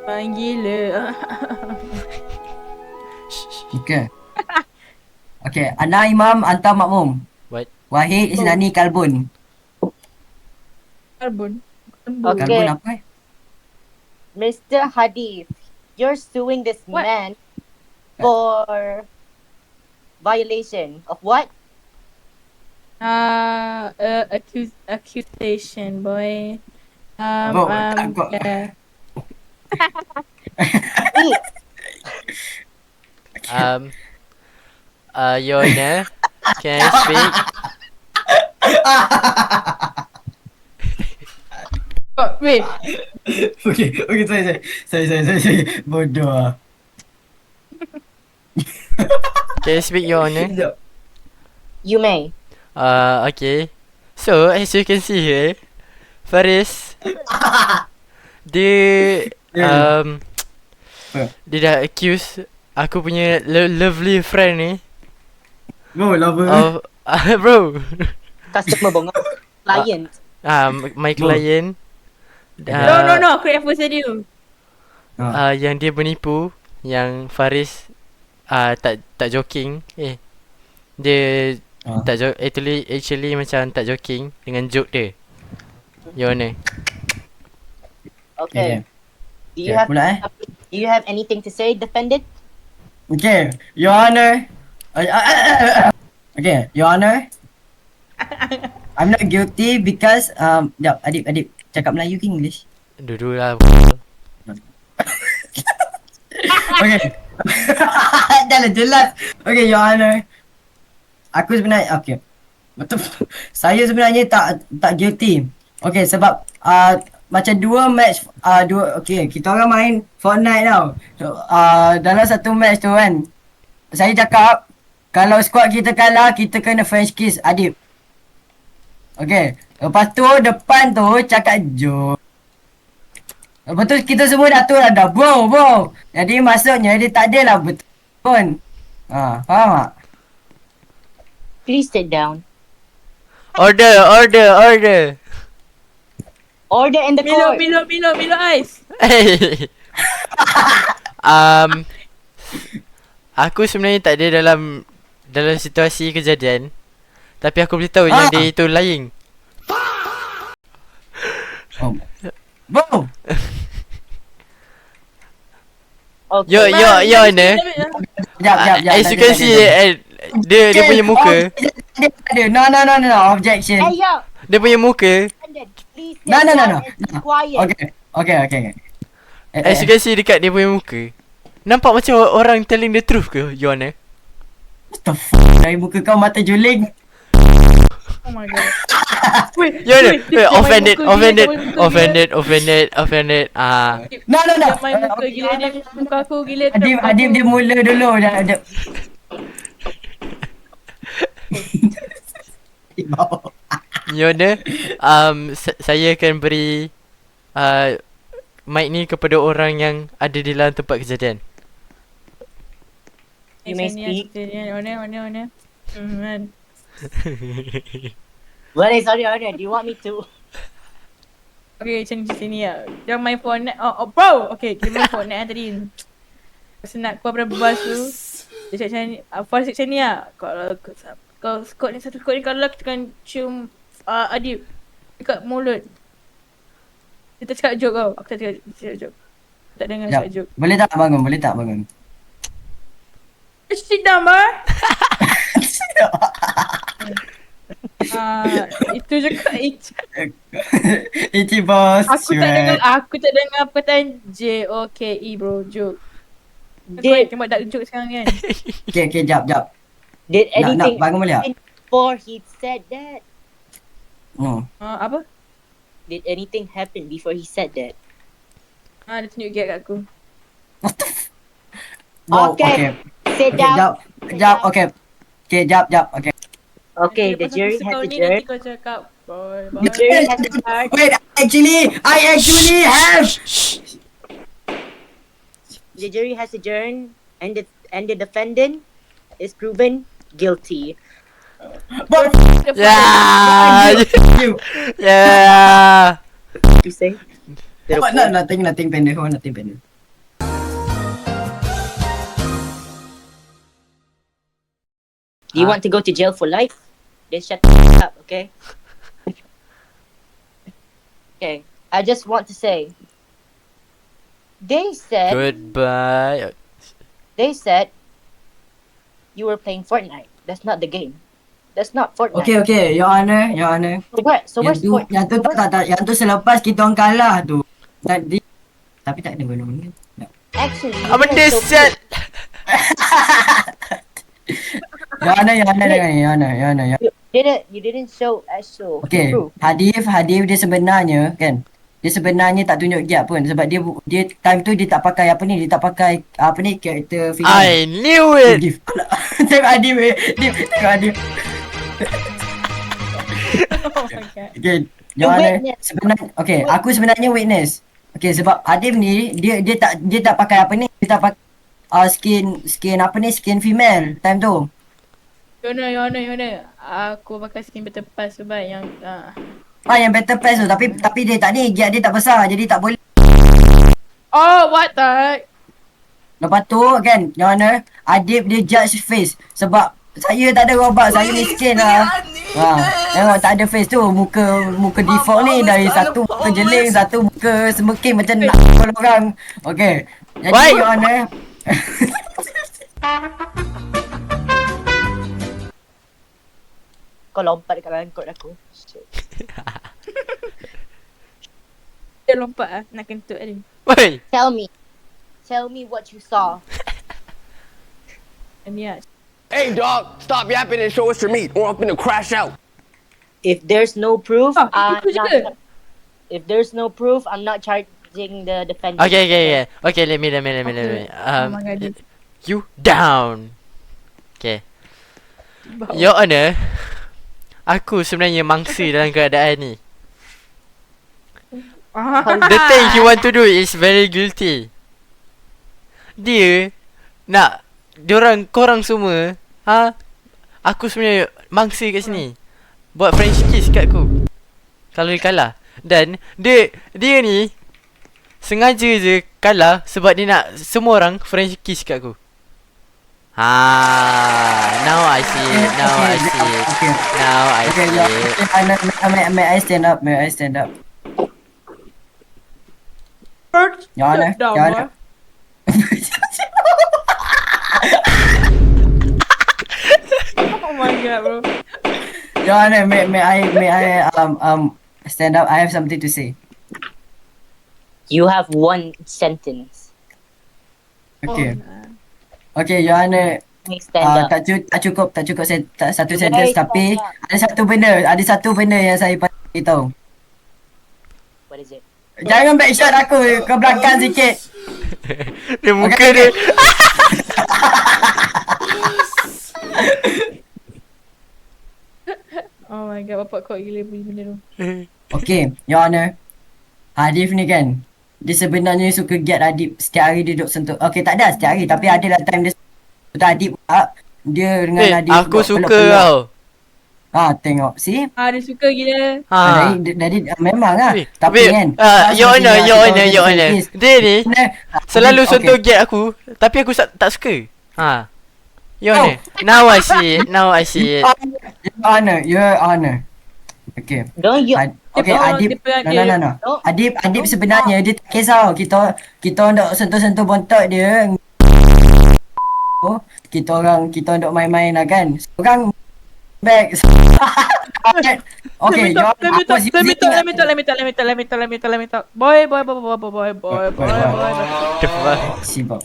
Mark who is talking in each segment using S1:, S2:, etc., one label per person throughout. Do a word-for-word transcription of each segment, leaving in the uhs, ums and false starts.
S1: Bang gila.
S2: Okay. Okay. Ana imam anta makmum.
S3: What?
S2: Wahid isnani kalbun.
S1: Karbon.
S4: Okay.
S2: Kalbun apa eh?
S4: Mister Hadith, you're suing this
S1: What?
S4: man for violation of what?
S1: Uh, uh accuse accusation boy. Um,
S2: Oh,
S1: um,
S2: kau-
S1: yeah.
S4: Eat.
S3: Um, uh, Your Honor, can I speak?
S1: Oh, wait.
S2: Okay, okay, sorry, sorry. Sorry, sorry, sorry, sorry. Bodoh ah.
S3: Can I speak, Your Honor?
S2: Sekejap.
S4: You may.
S3: Uh, okay. So, as you can see here, Faris, dia, um,
S2: Apa?
S3: dia dah accuse aku punya lo- lovely friend ni
S2: Bro, lama.
S3: of, uh, bro,
S4: Customer bongak. Client.
S3: um, my client, uh,
S1: No, no, no. Aku at first tadi tu.
S3: uh, yang dia menipu, yang Faris, uh, tak tak joking, eh, dia
S2: Ah.
S3: tak joke, actually, actually macam tak joking dengan joke dia. Your Honor.
S4: Okay. Do you
S2: Okay,
S4: have
S2: pula eh.
S4: Do you have anything to say, defendant?
S2: Okay, Your Honor. Uh, uh, uh, uh, uh. Okay, Your Honor. I'm not guilty because um, jap, Adib, Adib, cakap Melayu ke English?
S3: Dulu lah.
S2: Okay. Dah lah jelas. Okay, Your Honor. Aku sebenarnya, okay. Betul. Saya sebenarnya tak tak guilty. Okay, sebab uh, macam dua match, uh, dua, okay, kita orang main Fortnite tau. So, uh, dalam satu match tu kan, saya cakap, kalau squad kita kalah, kita kena French kiss Adib. Okay, lepas tu depan tu cakap joke. Lepas tu kita semua dah tu dah, dah bro bro. Jadi maksudnya dia tak adalah betul pun. Ha, faham tak?
S4: Please sit down.
S3: Order, order, order.
S4: Order in the
S1: Milo,
S4: court.
S1: Milo, Milo, Milo Ice.
S3: Hey. um, aku sebenarnya tak ada dalam dalam situasi kejadian, tapi aku boleh tahu yang
S2: Ah.
S3: dia itu lying.
S2: Oh. Bro.
S4: Okay.
S3: Yo, yo, yo, Honor.
S2: Jap, jap, jap.
S3: As you
S2: tak
S3: can
S2: ada,
S3: see,
S2: tak ada.
S3: eh, dia dia punya muka,
S2: Oh, dia ada. No, no, no, no, no. Objection.
S4: Hey yo,
S3: dia punya muka.
S4: defendant, please sit
S2: No, no, no,
S4: down
S2: no.
S4: and be quiet.
S2: Okay, okay, okay. Eh,
S3: As you
S2: eh.
S3: can see dekat dia punya muka, nampak macam orang telling the truth ke, Your Honor?
S2: What the fuck? Dari muka kau mata juling.
S1: Oh my god. Wait,
S3: Your Honor,
S1: wait, dia
S3: wait,
S1: main
S3: offended,
S1: muka gila,
S3: offended,
S1: dia main muka gila.
S3: offended, offended, offended. Ah,
S2: No, no, no.
S1: Dia main muka gila, dia muka aku gila.
S2: Adib,
S1: muka
S2: Adib
S1: aku.
S2: dia mula dulu. Dah ada.
S3: Your Honor, um, sa- saya akan beri uh, mic ni kepada orang yang ada di dalam tempat kejadian.
S4: You may
S1: Sini,
S4: speak.
S1: sini, One, one, one. Hmm, man.
S4: Well, sorry, order. Do you want me to?
S1: Okay, macam macam sini lah. Jangan main Fortnite. Oh, oh bro! Okay, kita main Fortnite lah tadi. Masa nak keluar pada bus tu, dia cakap macam ni. Uh, Forest macam ni lah. Kalau kalau skot ni, satu skot ni kalau kita kan cium uh, Adib dekat mulut. Dia tak cakap joke tau. Aku tak cakap, cakap joke. Tak dengar
S2: Jap.
S1: cakap joke.
S2: Boleh tak bangun? Boleh tak bangun?
S1: Sit down, bar! Ah, itu je kak itu.
S2: Ichi boss.
S1: Aku tak dengar aku tak dengar perkataan J O K E bro, joke. Dia
S4: Did
S1: tembak dark joke sekarang kan.
S2: Okay, okay, jap, jap.
S4: Did
S2: Nak, nak
S4: anything
S2: bangun boleh tak?
S4: happen before he said that?
S2: Hmm.
S1: Ah, apa?
S4: Did anything happen before he said that?
S1: Ah, dia tunjuk gap kat aku.
S2: Wow,
S4: Okay. Sit
S2: Okay,
S4: down.
S2: jap. Jap, okay. Okay, jap, jap, okay.
S4: Okay,
S1: Nanti
S4: the
S1: lepas
S4: jury
S1: aku
S4: has
S1: sekau ni,
S4: adjourned.
S1: nanti kau cakap boy, boy.
S4: The jury has adjourned.
S2: Wait, actually, I actually have.
S4: The jury has adjourned, and the and the defendant is proven guilty.
S2: But
S3: Yeah,
S2: you.
S3: yeah.
S4: You say?
S2: What? No, nothing, nothing pendek. Oh, nothing pendek.
S4: Do you
S3: Huh?
S4: want to go to jail for life? Then shut the f- up, okay? Okay. I just want to say. They said.
S3: Goodbye.
S4: They said. You were playing Fortnite. That's not the game. That's not Fortnite.
S2: Okay, okay, Your Honor, Your Honor.
S4: So what? So
S2: Yang
S4: where's
S2: tu,
S4: Fort-
S2: yang tu
S4: so
S2: tak,
S4: where's-
S2: tak, tak, yang tu selepas kita orang kalah tu. Tadi, tapi tak ada guna-guna. Tak.
S4: Actually, you
S3: Apa
S4: didn't show
S3: deset?
S2: Your Honor, Your Honor, Your Honor, Your Honor, Your
S4: You didn't. You didn't show actual
S2: Okay,
S4: proof.
S2: Hadif, Hadif dia sebenarnya kan, dia sebenarnya tak tunjuk giat pun sebab dia bu- dia time tu dia tak pakai apa ni, dia tak pakai apa ni karakter figure.
S3: I knew it.
S2: Hadif. Tengok Hadif, eh. Hadif, tengok Hadif.
S1: Oh my god.
S2: Okay,
S4: The
S2: Your Honor,
S4: witness.
S2: sebenarnya okay, aku sebenarnya witness. Okay, sebab Hadif ni dia dia tak dia tak pakai apa ni, dia tak pakai uh, skin skin apa ni, skin female time tu.
S1: Yona, Yona, Yona. Aku pakai skin Battle Pass sebab yang ah.
S2: Ah, yang Battle Pass tu, tapi tapi dia tak ni, giat dia tak besar jadi tak boleh.
S1: Oh, what the?
S2: Lepas tu kan, Your Honor, Adib dia judge face sebab saya tak ada robot, saya miskin lah. Ha, tengok tak ada face tu, muka muka default ni dari satu muka jeling, satu muka semeking macam nak pukul orang. Okey. Jadi
S3: Why?
S2: Your Honor.
S4: Kau lompat dekat dalam kot aku. Shit.
S1: Dia lompat ah, nak kentut dia.
S3: Woi.
S4: Tell me. Tell me what you saw.
S1: Ni ah.
S5: Hey, dog, stop yapping and show us your meat, or I'm gonna crash out.
S4: If there's no proof,
S1: Ah,
S4: I'm
S1: itu je.
S4: not. If there's no proof, I'm not charging the defendant.
S3: Okay, okay, okay. Okay, let me, let me, let me, let me.
S1: Oh
S3: Um,
S1: my god. dia-
S3: you down. Okay. Your Honor, aku sebenarnya mangsa dalam keadaan ni.
S1: Ah.
S3: The thing he want to do is very guilty. Dia nak diorang, korang semua, ha? Aku sebenarnya mangsa kat sini. Buat French kiss kat aku kalau dia kalah. Dan dia dia ni sengaja je kalah sebab dia nak semua orang French kiss kat aku. Ha, now I see it. Now I see it.
S2: Okay.
S3: Now I
S2: Okay,
S3: see
S2: Your
S3: it.
S2: Honor, may, may, may I stand up? May I stand up?
S1: First,
S2: Your Honor,
S1: sit down,
S2: Your Honor.
S1: boy. Oh my god, bro.
S2: Your Honor, may, may I may I um um stand up? I have something to say.
S4: You have one sentence.
S2: Okay.
S1: Oh,
S2: Okay, Your Honor,
S4: Make stand
S2: uh,
S4: up.
S2: tak, cu- tak cukup tak cukup sen- tak, satu
S4: Okay,
S2: sentence
S4: stand
S2: tapi
S4: up.
S2: ada satu benda, ada satu benda yang saya patut tahu.
S4: What is it?
S2: Jangan back shot aku ke belakang sikit.
S3: Dia muka
S2: Okay,
S3: dia.
S1: Oh my god, bapak kau gila bunyi benda tu.
S2: Okay, Your Honor. Hadif ni kan, dia sebenarnya suka get Adib setiap hari dia duduk sentuh. Okay, tak ada setiap hari tapi ada lah time dia sentuh Adib pula. Dia dengan
S3: Eh,
S2: Adib
S3: aku
S2: duduk
S3: suka
S2: peluk-peluk.
S3: kau.
S2: Ah, tengok. See?
S1: Ah, dia suka gila.
S3: Ha.
S2: Ah. Dari, dari, memang lah.
S3: Wait,
S2: Tapi
S3: wait,
S2: kan.
S3: uh,
S2: tak
S3: Your
S2: seperti
S3: Honor,
S2: yang
S3: Your
S2: kita
S3: Honor,
S2: orang
S3: Your
S2: kata
S3: Honor.
S2: face.
S3: Dia ni
S2: Benar.
S3: selalu
S2: Okay.
S3: sentuh gate aku, tapi aku tak, tak suka. Ha. Your
S2: Oh.
S3: Honor, now I see it. Now I see it.
S2: Your Honor, Your Honor. Okay.
S4: Don't you?
S2: Ad, okay,
S1: Dia-
S2: Adib.
S1: dia pegang
S2: No,
S1: dia.
S2: no, no, no.
S4: Don't-
S2: Adib, Adib sebenarnya dia tak kisah. Kita kita orang duk sentuh-sentuh bontot dia. Oh, kita orang kita duk main-main lah kan. Seorang back. Okay, Your
S1: Let me
S2: Honor,
S1: talk,
S2: aku
S1: let me talk,
S2: using-
S1: let me talk, let me talk, let me talk, let me talk, let me talk, let me talk. Boy, boy, boy, boy, boy, boy, boy, boy, boy, boy.
S3: The fuck?
S2: Sibuk.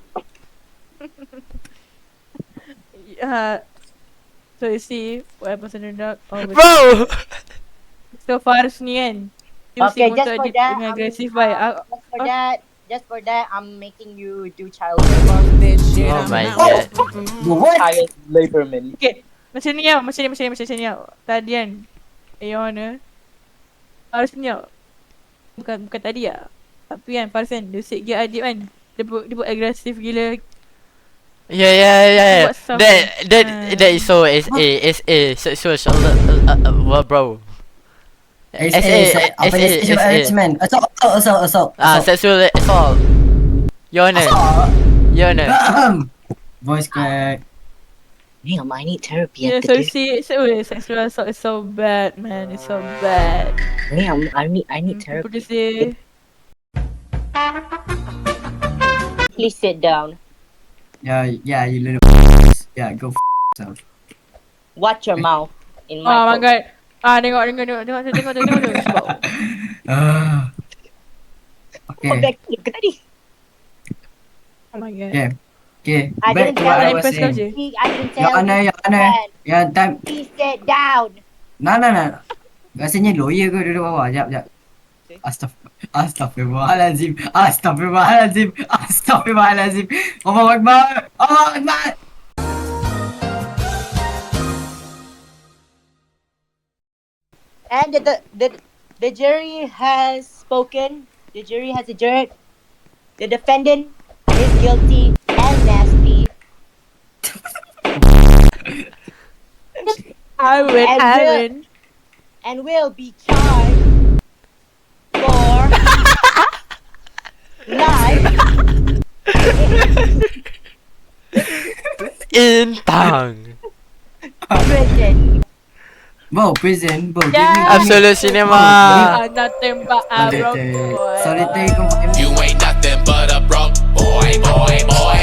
S1: Uh, so you see what happens in the dark. Oh,
S3: Bro!
S1: so Faris ni kan.
S4: Okay,
S1: Using
S4: just
S1: untuk
S4: for
S1: dia
S4: that,
S1: dengan
S4: I'm
S1: agresif
S4: making-
S1: baik. Ah,
S4: Just for
S1: Oh.
S4: that, just for that, I'm making you do child
S3: Oh my god.
S2: What?
S4: child laborman.
S1: Okay, macam ni tau, macam ni, macam ni, macam ni tau. Tadi kan, eh, Your Honor, Faris ni tau. Bukan, bukan tadi lah. Tapi kan, Faris kan, dia usik gear Adib kan. Dia buat, dia buat agresif gila.
S3: Yeah, yeah, yeah, yeah.
S1: Buat something.
S3: That, that,
S1: Ah.
S3: that is so S A, S A, sexual assault, uh, uh, uh, bro.
S2: S A, apa ni? Sexual harassment. Assault, assault, assault, assault.
S3: Ah, sexual assault. Your Honor,
S2: Assault.
S3: Your Honor.
S2: Voice crack.
S4: Damn, I need therapy
S1: Yeah,
S4: after
S1: so
S4: this.
S1: see, so wait, sexual assault is so bad, man. It's so bad.
S4: Damn, I need I need
S1: People
S4: therapy.
S1: just say,
S4: Please sit down.
S2: Yeah, yeah, you little yeah, go f yourself.
S4: Watch your mouth. In
S1: oh
S4: my
S1: my god. Ah, tengok, tengok, tengok, tengok, tengok, tengok, tengok, tengok, sebab.
S2: Ah.
S4: Kau
S2: Okay,
S4: backflip ke tadi?
S1: Oh my god.
S2: okay, okay.
S4: I
S2: Back
S4: didn't
S2: to
S4: tell
S2: what I
S1: you.
S2: was
S1: Impress kau
S2: saying.
S1: je.
S4: See, I can
S2: Your
S4: tell
S2: Honor,
S4: you
S2: Your Honor.
S4: can.
S2: Yeah, time.
S4: Please sit down.
S2: Nah, nah, nah. Rasanya lawyer ke duduk bawah? Jap, jap. Astagfir Astaghfirullahalazim. Astaghfirullahalazim. Astaghfirullahalazim. Allahu Akbar. Allahu Akbar.
S4: And the, the the the jury has spoken. The jury has adjourned. The defendant is guilty and nasty.
S1: I win,
S4: And
S1: I
S4: will-
S1: win.
S4: and will be charged for life
S3: In tongue.
S4: prison.
S2: Bro, prison. Bro, give me.
S1: Yeah.
S3: Absolute cinema.
S1: Ah, nothing but a broke
S2: Solitary.
S1: boy.
S2: Solitary confinement.
S6: You ain't nothing but a broke boy, boy, boy.